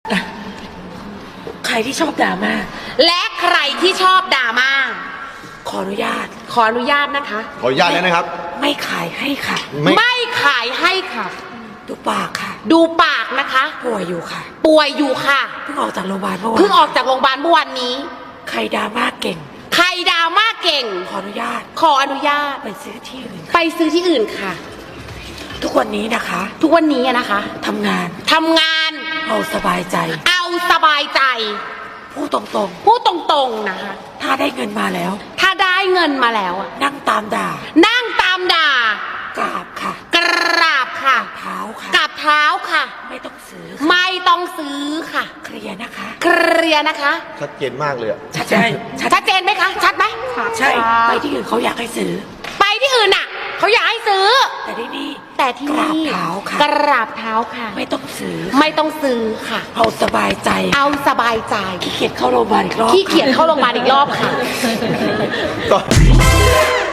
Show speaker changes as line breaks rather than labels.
ใครที่ชอบดราม่า
และใครที่ชอบดราม่า
ขออนุญาต
ขออนุญาตนะคะ
ขออนุญาตแล้วนะครับ
ไม่ขายให้ค่ะ
ไม่ขายให้ค่ะ
ดูปากค่ะ
ดูปากนะคะ
ป่วยอยู่ค่ะ
ป่วยอยู่ค่ะ
เพิ่งออกจากโรงพยาบาลเมื่อวาน
เพิ่งออกจากโรงพยาบาลเมื่อวันนี้
ใครดราม่าเก่ง
ใครดราม่าเก่ง
ขออนุญาต
ขออนุญาต
ไปซื้อที่อื่น
ไปซื้อที่อื่นค่ะ
ทุกวันนี้นะคะ
ทุกวันนี้นะคะ
ทำงาน
ทำงาน
เอาสบายใจ
เอาสบายใจ
พูดตรง
พูดตรงๆนะคะ
ๆ ถ้าได้เงินมาแล้ว
ถ้าได้เงินมาแล้วอะ
นั่งตามด่า
นั่งตามด่าก
ราบค่ะ
กราบค่ะ
เท้าค่ะ
กับเท้าค่ะ
ไม่ต้องซื้อ
ไม่ต้องซื้อค่ะ
เคลียร์นะคะ
เคลียร์นะคะ
ชัดเจนมากเลยอะ
ใช่
ชัดเจนไหมคะ ชัดไหม
ใช่ ไปที่อื่นเขาอยากให้ซื้อ
ไปที่อื่นน่ะเขาอยากให้ซื้อ
แต่ที่นี่
แต่ที่
กราบ
นี่
เท้าค่ะ
กราบเท้าค่ะ
ไม่ต้องซื้อ
ไม่ต้องซื้อค่ะ
เอาสบายใจ
เอาสบายใจ
ขี้เกียจเข้าโรงพยาบาลอีกรอบ
ขี้เกียจเข้าโรงพยาบาลอีกรอบค่ะ
ก็